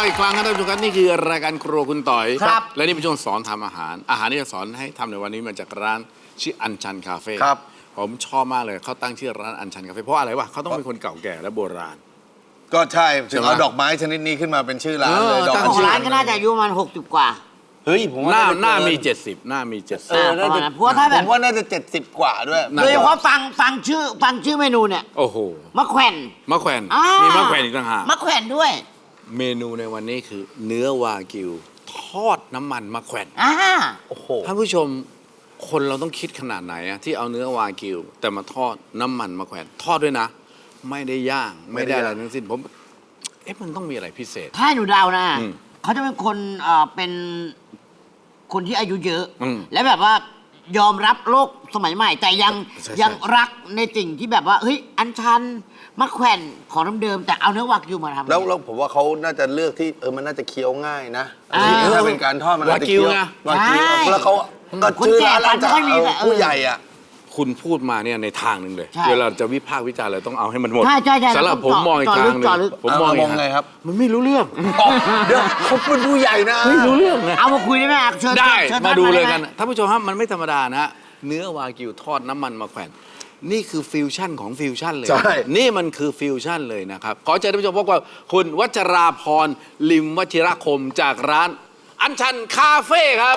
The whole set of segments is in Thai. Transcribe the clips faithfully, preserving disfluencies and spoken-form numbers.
อีกครั้งครับท่านผู้ชมครับนี่คือรายการครัวคุณต่อยครับและนี่เป็นช่วงสอนทำอาหาร อาหารที่จะสอนให้ทำในวันนี้มาจากร้านชื่ออัญชันคาเฟ่ครับผมชอบมากเลยเขาตั้งชื่อร้านอัญชันคาเฟ่เพราะอะไรวะเขาต้องเป็นคนเก่าแก่และโบราณก็ใช่ถึงเอาใช่ไหมดอกไม้ชนิดนี้ขึ้นมาเป็นชื่อร้านเลยเออดอกตั้งของชื่ร้านก็น่าจะอายุประมาณหกสิบกว่าเฮ้ยผมว่าหน้าจะหน้ามีเกิเจ็ดสิบหน้ามีเจ็ดสิบเออน่าจะเพราะว่าถ้าแบบผมว่าน่าจะเจ็ดสิบกว่าด้วยน่าโดยเฉพาะฟังฟังชื่อฟังชื่อเมนูเนี่ยโอ้โหมะแขวนมะแขวนอ่ามีมีมะแขวนอีกต่างหากมะแขวนด้วยเมนูในวันนี้คือเนื้อวากิวทอดน้ำมันมะแขวนอ่าโอ้โหท่านผู้ชมคนเราต้องคิดขนาดไหนอะที่เอาเนื้อวากิว แต่มาทอดน้ำมันมะแขวนทอดด้วยนะ ไม่ได้ย่างไม่ได้อะไรทั้งสิ้นผมเอ๊ะมันต้องมีอะไรพิเศษถ้าให้หนูเดานะอืมเขาจะเป็นคนเอ่อเป็นคนที่อายุเยอะอืมและแบบว่ายอมรับโลกสมัยใหม่ แต่ยังใช่ยังรักในสิ่งที่แบบว่าเฮ้ยอันชันมะแขวนของเดิมๆแต่เอาเนื้อวากิวมาทำแล้วแล้วผมว่าเขาน่าจะเลือกที่เออมันน่าจะเคี้ยวง่ายนะอ่าถ้าเป็นการทอดมันน่าจะเคี้ยววากิวไงวากิวใช่แล้วเขาก็คนชื่อแก่ร้านฟันไม่ค่อยมีเออผู้ใหญ่อ่ะคุณพูดมาเนี่ยในทางหนึ่งเลยใช่เวลาจะวิพากษ์วิจารณ์อะไรต้องเอาให้มันหมดใช่ใช่ใช่สำหรับผมมองอีกทางหนึ่งเจาะลึกผมมองอีกเอามองไงครับมันไม่รู้เรื่องอ๋อเดี๋ยวเขาเป็นผู้ใหญ่นะไม่รู้เรื่องนะเอามาคุยได้ไหมอ่ะเชิญได้เชิญมาท่นดูเลยไหกันท่านผู้ชมครับมันไม่ธรรมดานะฮะเนื้อวากิวทอดน้ำมันมะแขวนนี่คือฟิวชั่นของฟิวชั่นเลยใช่นี่มันคือฟิวชั่นเลยนะครับขอเชิญท่านผู้ชมพบกับคุณวัชราพรลิมวชิรคมจากร้านอัญชันคาเฟ่ครับ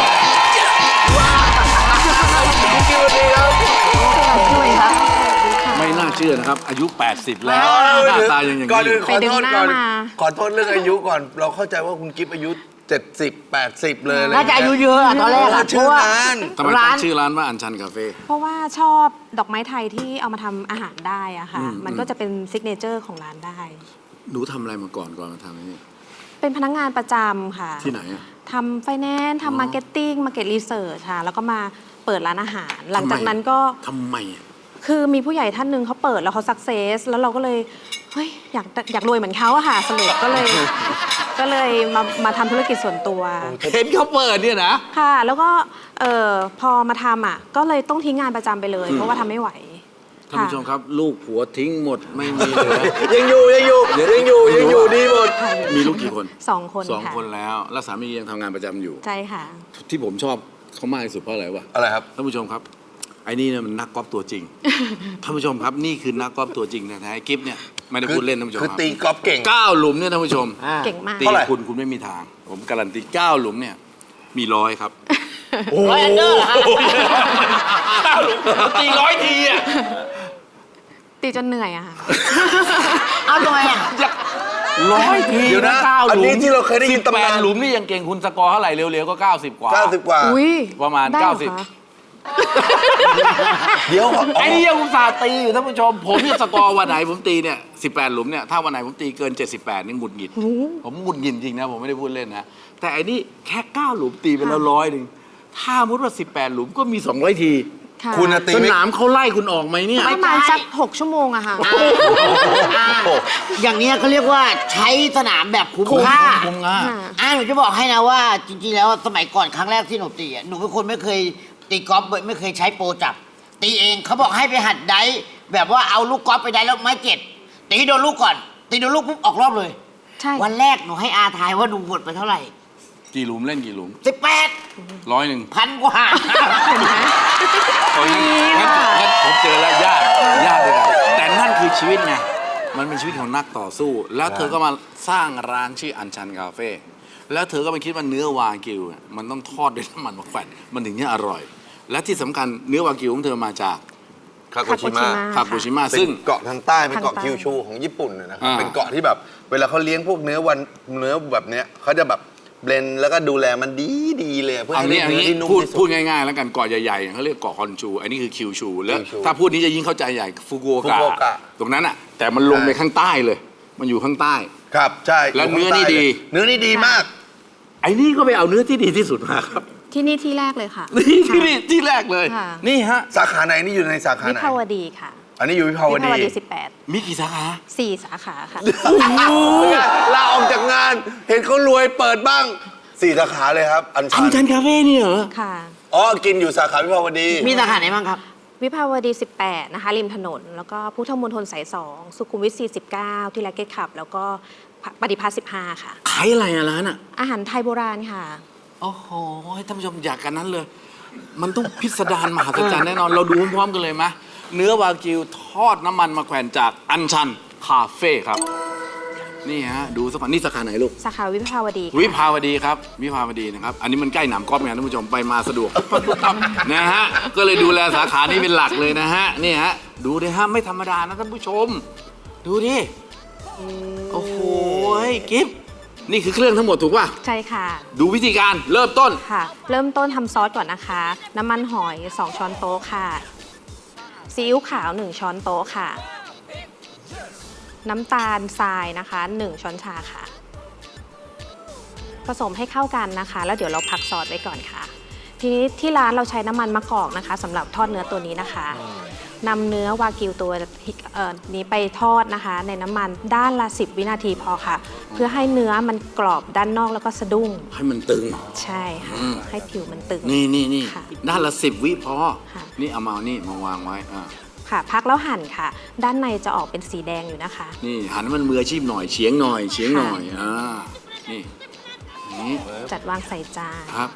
ไม่น่าเชื่อนะครับอายุ แปดสิบ แล้วหน้าตายังอย่างก่อนนี้ออื่นยู่ขอโทษก่อนไปดึงหน้ามาขอโทษเรื่องอายุก่อน เราเข้าใจว่าคุณกิฟอายุเจ็ดสิบ แปดสิบเลยอะไรน่าจะอายุเยอะอะตอนแรกอะชื่อเพราะว่านั้นทำไมร้าตั้นงชื่อร้านว่าอัญชันคาเฟ่เพราะว่าชอบดอกไม้ไทยที่เอามาทำอาหารได้อะค่ะอืมมันก็จะเป็นซิกเนเจอร์ของร้านได้หนูทำอะไรมาก่อนก่อนมาทำอันนี้เป็นพนักงานประจำค่ะที่ไหนอะทำไฟแนนซ์อ๋อทำมาร์เก็ตติ้งมาร์เก็ตรีเสิร์ชค่ะ แล้วก็มาเปิดร้านอาหาร หลังจากนั้นก็ทำไมอะคือมีผู้ใหญ่ท่านหนึ่งเขาเปิดแล้วเขาสักเซสแล้วเราก็เลยเฮ้ยอยากอยากรวยเหมือนเขาอะค่ะสรุปก็เลยก็เลยมามาทำธุรกิจส่วนตัวเห็นเขาเปิดเนี่ยนะค่ะ แล้วก็เอ่อพอมาทำอ่ะก็เลยต้องทิ้งงานประจำไปเลยอืมเพราะว่าทำไม่ไหวท่านผู้ชมครับ ลูกผัวทิ้งหมดไม่มีเหลือยังอยู่ยังอยู่ยังอยู่ยังอยู่ดีหมดมีลูกกี่คนสองคนสองค่ะคนแล้ว แล้วสามียังทำงานประจำอยู่ใช่ค่ะที่ผมชอบเขามากที่สุดเพราะอะไรวะอะไรครับท่านผู้ชมครับไอ้นี่เนี่ยมันนักกอล์ฟตัวจริง ท่านผู้ชมครับนี่คือนักกอล์ฟตัวจริงแท้ๆกิฟเนี่ยไม่ได้พูดเล่นท่านผู้ชมคือครับตีกอล์ฟเก่งเก้าหลุมเนี่ยท่านผู้ชมอ่าเก่งมากตีเท่าไหร่คุณคุณไม่มีทาง ผมการันตีเก้าหลุมเนี่ยมีร้อยครับร้อยอันเดอร์เหรอฮะเก้าหลุมตีร้อยทีอ่ะตีจนเหนื่อยอะค่ะเอาทำไมอ่ะร้อยทีเดี๋ยวนะเก้าหลุมอันนี้ที่เราเคยได้ยินสิบแปตำนานหลุมนี่ยังเก่งคุณสกอร์เท่าไหร่เร็วๆก็เก้าสิบกว่าเก้าสิบกว่าอุ้ยประมาณได้เหรอเก้าสิบคะเดี๋ยวไอ้นี่ยังอุตส่าห์ตีอยู่ท่านผู้ชม ผมเนี่ยสกอร์วันไหนผมตีเนี่ยสิบแปดหลุมเนี่ยถ้าวันไหนผมตีเกินเจ็ดสิบแปดนี่หงุดหงิด ผมหงุดหงิดจริงนะผมไม่ได้พูดเล่นนะแต่ไอ้นี่แค่เก้าหลุมตีไปแล้วร้อยหนึ่งถ้ามุดว่าสิบแปดหลุมก็มีสองร้อยทีค่ะคุณน่ะตีสไม่นามเขาไล่คุณออกไหมเนี่ยประมาณสักหกชั่วโมงอะค่ะอ่าอย่างเนี้ยเขาเรียกว่าใช้สนามแบบคุ้มคุ้มค่าคุ้มค่าค่ะอ่าหนูจะบอกให้นะว่าจริงๆแล้วสมัยก่อนครั้งแรกที่หนูตีอ่ะหนูเป็นคนไม่เคยตีกอล์ฟไม่เคยใช้โปรจับ ตีเองเขาบอกให้ไปหัดไดฟ์แบบว่าเอาลูกกอล์ฟไปไดฟ์แล้วไม้เจ็ดตีโดนลูกก่อน ตีโดนลูกปุ๊บออกรอบเลยใช่วันแรกหนูให้อาทายว่าหนูหมดไปเท่าไหร่กี่หลุมเล่นกี่หลุมสิบแปดร้อยหนึ่งพันกว่าโอ้ยงั้นงั้นผมเจอแล้วยากยากเลยนะแต่นั่นคือชีวิตไงมันเป็นชีวิตของนักต่อสู้ แล้วเธอก็มาสร้างร้านชื่ออัญชันคาเฟ่แล้วเธอก็ไปคิดว่าเนื้อวากิวเนี่ยมันต้องทอดด้วยน้ำมันมะแขวนมันถึงจะอร่อย และที่สำคัญเนื้อวากิวของเธอมาจากคาโกชิมะคาปูชิมะซึ่ซึ่งงเกาะทางใต้เป็นเกาะทางใต้คิวชูของญี่ปุ่นนะครัอ่าบเป็นเกาะที่แบบเวลาเขาเลี้ยงพวกเนื้อวันเนื้อแบบเนี้ยเขาจะแบบเบลนด์แล้วก็ดูแลมันดีดีเลยเพื่อเอาให้นี้ได้อันเนื้อนี้ที่นุ่มพูดที่สุพูดดง่ายๆแล้วกันเกาะใหญ่ๆเขาเรียกเกาะฮอนชู อันนี้คือคิวชู แล้วคิวชูถ้าพูดนี้จะยิ่งเข้าใจใหญ่ฟุกุโอกะฟุกุโอกะตรงนั้นอ่ะแต่มันลงไปข้างใต้เลย มันอยู่ข้างใต้ครับใช่แล้วเนื้อนี่ดีเนื้อนี่ดีมากไอ้นี่ก็ไปเอาเนื้อที่ดีที่สุดมาครับที่นี่ที่แรกเลยค่ะนี่ที่นี่ที่แรกเลยค่ะนี่ฮะสาขาไหนนี่อยู่ในสาขาวิไหนภาวดีค่ะอันนี้อยู่วิภาววิดีภาวดีสิบแปดมีกี่สาขาสี่สาขาค่ะลาออกจากงาน เห็นเขารวยเปิดบ้างสี่สาขาเลยครับ อันอัชันชันนคาเฟ่นี่เหรอค่ะอ๋อกินอยู่สาขาวิภาวดีมีสาขาไหนบ้างครับวิภาวดี สิบแปด นะคะ ริมถนน แล้วก็พุทธมณฑลสาย สอง สุขุมวิท สี่สิบเก้า ที่แลกเก็ตขับ แล้วก็ปฏิภาณสิบห้า ค่ะขายอะไรอะร้านอะอาหารไทยโบราณค่ะโอ้โหท่านผู้ชมอยากกันนั้นเลย มันต้องพิสดารมหัศจรรย์แน่นอน เราดูพร้อมๆกันเลยไหมเนื้อวากิวทอดน้ำมันมาแขวนจากอัญชันคาเฟ่ครับ นี่ฮะ ดูสักพักนี่สาขาไหนลูกสาขาวิภาวดีค่ะวิภาวดีครับ วิภาวดีนะครับ อันนี้มันใกล้หนามกอล์ฟไงท่านผู้ชมไปมาสะดวกปั๊บปั๊บปั๊บนะฮะ ก็เลยดูแลสาขานี้เป็นหลักเลยนะฮะ นี่ฮะ ดูดิฮะ ไม่ธรรมดานะท่านผู้ชม ดูดิ โอ้โหกิฟต์นี่คือเครื่องทั้งหมดถูกป่ะใช่ค่ะดูวิธีการเริ่มต้นค่ะ เริ่มต้นทำซอสก่อนนะคะ น้ำมันหอย สอง ช้อนโต๊ะค่ะ ซีอิ๊วขาว หนึ่ง ช้อนโต๊ะค่ะ น้ำตาลทรายนะคะ หนึ่ง ช้อนชาค่ะ ผสมให้เข้ากันนะคะ แล้วเดี๋ยวเราพักซอสไว้ก่อนค่ะ ทีนี้ที่ร้านเราใช้น้ำมันมะกอกนะคะสำหรับทอดเนื้อตัวนี้นะคะนำเนื้อวากิวตัวเอ่อนี้ไปทอดนะคะ ในน้ำมันด้านละ สิบ วินาทีพอค่ะ เพื่อให้เนื้อมันกรอบด้านนอกแล้วก็สะดุ้งให้มันตึงใช่ค่ะอืมให้ผิวมันตึงนี่นี่นี่ค่ะด้านละสิบวิพอค่ะนี่เอามานี่มาวางไว้อ่าค่ะ พักแล้วหั่นค่ะ ด้านในจะออกเป็นสีแดงอยู่นะคะนี่หันให้มันมืออาชีพหน่อยเฉียงหน่อยเฉียงหน่อยอ่านี่นี่จัดวางใส่จานครับ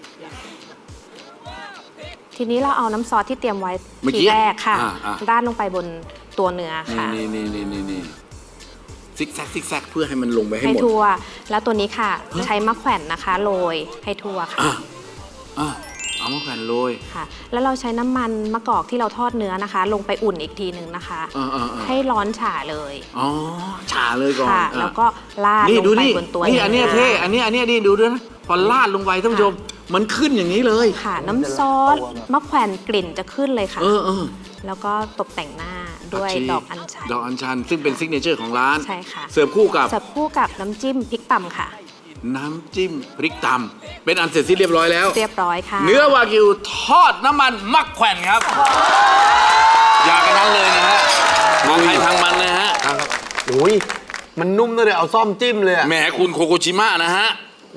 ทีนี้เราเอาน้ำซอสที่เตรียมไว้เมื่อทีกี้แรกค่ะอ่าอ่าราดลงไปบนตัวเนื้อค่ะนี่นี่นี่นี่นี่ซิกแซกซิกแซกเพื่อให้มันลงไปให้ให้หมดทั่ว แล้วตัวนี้ค่ะ ใช้มะแขวนนะคะโรยให้ทั่วค่ะอ่ะอ่ะเอามาแขวนโรยค่ะ แล้วเราใช้น้ำมันมะกอกที่เราทอดเนื้อนะคะ ลงไปอุ่นอีกทีหนึ่งนะคะอ่าอ่าอ่าให้ร้อนฉ่าเลยอ๋อฉาเลยก่อนค่ะอ่ะแล้วก็ราดนี่ลงดูไปนี่บนตัวนี่อันเนี้ยนื้เท่อันเนี้ยอันเนี้ยนี่ดูด้วยนะพอลาดลงไปท่านผู้ชม มันขึ้นอย่างนี้เลยค่ะ น้ำซอสมะแขวนกลิ่นจะขึ้นเลยค่ะเออเออแล้วก็ตกแต่งหน้าด้วยผัชีดอกอัญชันดอกอัญชัน ซึ่งเป็นซิกเนเจอร์ของร้านใช่ค่ะเสิร์ฟคู่กับเสิร์ฟคู่กับน้ำจิ้มพริกตำค่ะน้ำจิ้มพริกตำเป็นอันเสร็จสิ้นเรียบร้อยแล้วเรียบร้อยค่ะเนื้อวากิวทอดน้ำมันมักแขวนครับ อยากกันนั้นเลยนะฮะทางใครทางมันนะฮะครับโอ้ยมันนุ่มตั้งแต่เอาซ่อมจิ้มเลยอะแหมคุณโคโกชิมะนะฮะ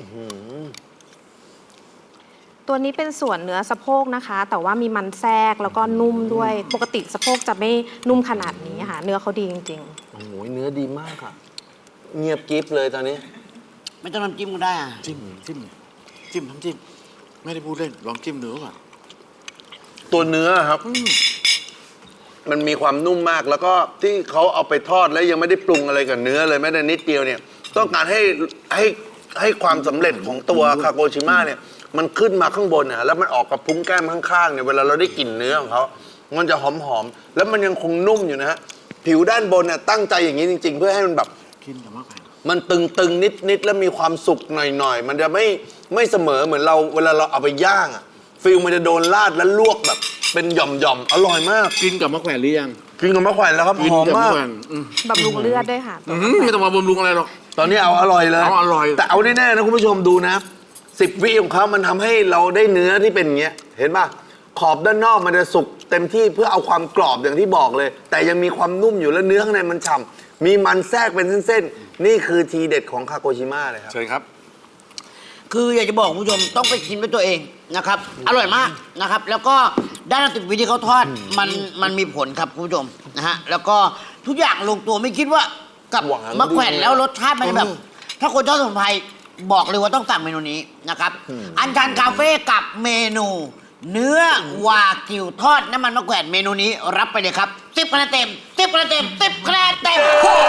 ตัวนี้เป็นส่วนเนื้อสะโพกนะคะ แต่ว่ามีมันแทรกแล้วก็นุ่มด้วย ปกติสะโพกจะไม่นุ่มขนาดนี้ค่ะ เนื้อเขาดีจริงโอ้โหเนื้อดีมากอะเงียบกริฟเลยตอนนี้ไม่ต้องน้ำจิ้มก็ได้อะจิ้มจิ้มจิ้มน้ำจิ้ม ไม่ได้พูดเล่น ลองจิ้มเนื้อก่อนตัวเนื้อครับ มันมีความนุ่มมากแล้วก็ที่เขาเอาไปทอดแล้วยังไม่ได้ปรุงอะไรกับเนื้อเลยแม้แต่นิดเดียวเนี่ย ต้องการให้ให้ให้ความสำเร็จของตัวคาโกชิมะเนี่ย มันขึ้นมาข้างบนเนี่ยแล้วมันออกกับพุ้งแก้มข้างๆเนี่ยเวลาเราได้กลิ่นเนื้อของเขา มันจะหอมๆแล้วมันยังคงนุ่มอยู่นะฮะผิวด้านบนเนี่ยตั้งใจอย่างนี้จริง ๆ เพื่อให้มันแบบกินกับมะแขวนมันตึงๆนิดๆแล้วมีความสุกหน่อยๆมันจะไม่ไม่เสมอเหมือนเราเวลาเราเอาไปย่างอะฟิลมันจะโดนราดแล้วลวกแบบ เป็นหย่อมๆอร่อยมากกินกับมะแขวนหรือยังกินกับมะแขวนแล้วครับกินหอมกับมามะกแขวนอืมๆบำรุงเลือดด้วยค่ะอื้อหือไม่ต้องมาบำรุงอะไรหรอกตอนนี้เอาอร่อยเลยเอาอร่อยแต่เอาแน่ๆนะคุณผู้ชมดูนะสิบวิของเขามันทำให้เราได้เนื้อที่เป็นอย่างเงี้ยเห็นป่ะขอบด้านนอกมันจะสุกเต็มที่เพื่อเอาความกรอบอย่างที่บอกเลย แต่ยังมีความนุ่มอยู่แล้วเนื้อข้างในมันฉ่ำมีมันแทรกเป็นเส้นๆนี่คือทีเด็ดของคาโกชิมะเลยครับเชิญครับคืออยากจะบอกคุณผู้ชมต้องไปชิมด้วยตัวเองนะครับ อร่อยมากนะครับ แล้วก็ด้านติดวิธีเขาทอดมันมันมีผลครับคุณผู้ชมนะฮะแล้วก็ทุกอย่างลงตัวไม่คิดว่ากับหวานมะแขวนด้วยแล้วรสชาติมันจะแบบ ถ้าคนชอบสมุนไพรบอกเลยว่าต้องสั่งเมนูนี้นะครับ อันชันคาเฟ่กับเมนู เนื้อวากิวทอดน้ำมันมะแขวนเมนูนี้รับไปเลยครับสิบคะแนนเต็มสิบคะแนนเต็มสิบคะแนนเต็ม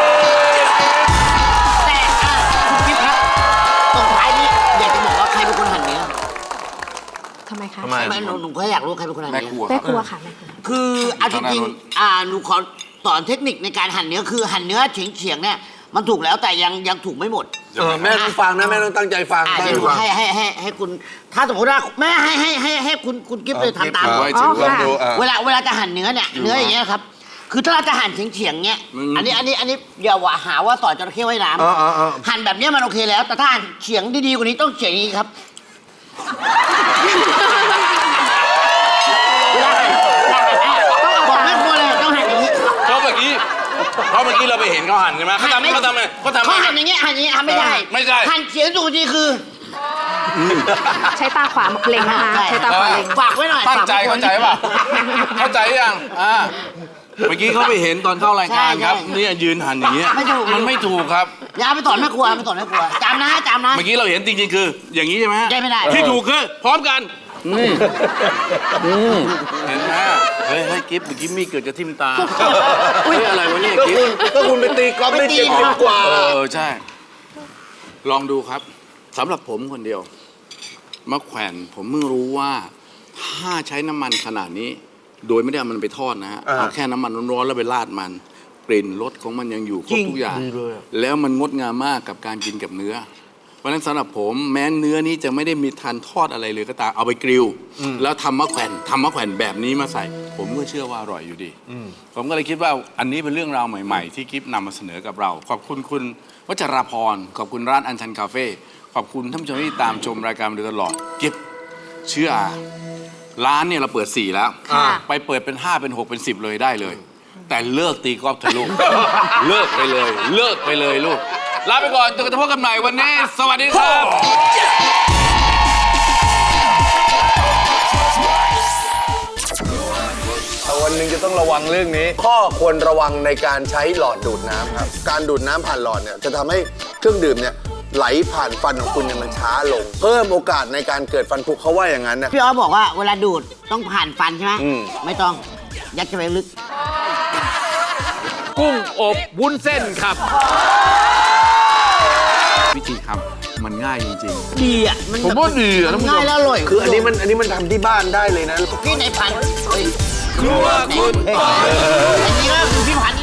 แต่อ่ะคุณกิ๊ฟครับตรงท้ายนี้อยากจะบอกว่าใครเป็นคนหั่นเนื้อทำไมคะทำไมไม่หนูหนูก็อยากรู้ใครเป็นคนหั่นแม่เนื้ครัวอแม่ครัวค่ะแม่ครัวคือเอาจทางด้านริงนู้นๆอ่าหนูขอสอนเทคนิคในการหั่นเนื้อคือหั่นเนื้อเฉียงๆเนี่ยมันถูกแล้วแต่ยังยังถูกไม่หมดเออแม่ต้องฟังนะแม่ต้องตั้งใจฟังอ่าตั้งเดี๋ยวหนูใจฟังให้ให้ให้ให้คุณ ถ้าสมมติว่าแม่ให้ให้ให้ให้คุณคุณกิฟต์เลยทำตามไว้อ๋ถืออค่ะลองดูอ่ะเวลาเวลาจะหั่นเนื้อเนี่ยเนื้ออย่างเงี้ยครับคือถ้าเราจะหั่นเฉียงๆเงี้ยอืมอันนี้อันนี้อันนี้อย่าว่าหาว่าสอนจระเข้ว่ายน้อ๋ออ๋ออ๋อำหั่นแบบเนี้ยมันโอเคแล้ว แต่ถ้าหั่นเฉียงดีๆกว่านี้ต้องเฉียงอย่างนี้ครับเวลาหั่นเวลาหั่นอ่ะบอกแม่ครัวเลยต้องหั่นอย่างนี้เพราะเมื่อกี้เพราะเมื่อกี้เราไปเห็นเขาหั่นใช่ไหมเขาทำเขาทำไงเขาทำเขาไงหั่นอย่างเงี้ยหั่นอย่างเงี้ยทำไม่ได้ไม่ได้หั่นเฉียงถูกทีคือใช้ตาขวาเล็งนะคะใช่ใช้ตาขวาเล็งฝากไว้หน่อยตั้งใจฝกไว้เข้าใจป่ะ เข้าใจยังอ่าเมื่อกี้เขาไปเห็นตอนเข้ารายการครับใช่ใช่เนี่ยยืนหันอย่างเงี้ยไม่ถูกมันไม่ถูกครับอย่าเอาไปสอนแม่ครัวเอาไปสอนแม่ครัวจำนะจำนะเมื่อกี้เราเห็นจริงๆคือ อย่างนี้ใช่ไหมฮะได้ไม่ได้ที่ถูกคือพร้อมกันอืมอืมเห็นไหมเฮ้ยเฮ้ยกิฟต์เมื่อกี้มีเกิดจะทิ่มตาเฮ้ยอะไรวะเนี่ยก็กิฟคุณต์ก็คุณไปตีกอล์ฟได้เจ็ดสิบกว่าเออใช่ ลองดูครับสำหรับผมคนเดียวมะแขวนผมเพิ่งรู้ว่าถ้าใช้น้ำมันขนาดนี้ โดยไม่ได้เอามันไปทอดนะฮะอ่าเอาแค่น้ำมันร้อนๆแล้วไปราดมันกลิ่นรสของมันยังอยู่ครบทุกอย่าง แล้วมันงดงามมากกับการกินกับเนื้อ เพราะฉะนั้นสำหรับผมแม้เนื้อนี้จะไม่ได้มีทานทอดอะไรเลยก็ตามเอาไปกริลแล้วทำมะแขวนทำมะแขวนแบบนี้มาใส่ ผมก็เชื่อว่าอร่อยอยู่ดี ผมก็เลยคิดว่าอันนี้เป็นเรื่องราวใหม่ๆ ที่กิฟนำมาเสนอกับเรา ขอบคุณคุณวัชราพรขอบคุณร้านอัญชันคาเฟ่ขอบคุณท่านผู้ชมที่ตามชมรายการมาโดยตลอดกิฟเชื่ออาร้านเนี่ยเราเปิดสี่แล้วค่ะไปเปิดเป็นห้าเป็นหกเป็นสิบเลยได้เลย แต่เลิกตีกอล์ฟเถอะลูก เลิกไปเลย เลิกไปเลยลูกลาไปก่อนจนกระทั่งพบกันใหม่วันนี้ สวัสดีครับแต่วันหนึ่งจะต้องระวังเรื่องนี้ ข้อควรระวังในการใช้หลอดดูดน้ำครับ การดูดน้ำผ่านหลอดเนี่ยจะทำให้เครื่องดื่มเนี่ยไหลผ่านฟันของคุณเนี่ยมันช้าลง เพิ่มโอกาสในการเกิดฟันผุเขาว่าอย่างนั้นนะพี่อ๋อบอกว่าเวลาดูดต้องผ่านฟันใช่ไหมอืมไม่ต้องยัดเข้าไปลึกกุ้งอบวุ้นเส้นครับ วิธีทำมันง่ายจริงดีอ่ะมันผมว่าดีอะท่านผู้ชมง่ายแล้วอร่อยคืออันนี้มันอันนี้มันทำที่บ้านได้เลยนะพี่ในพันเฮ้ยๆครัวคุณเฮ้ยอันนี้ก็คือพี่พันธุ์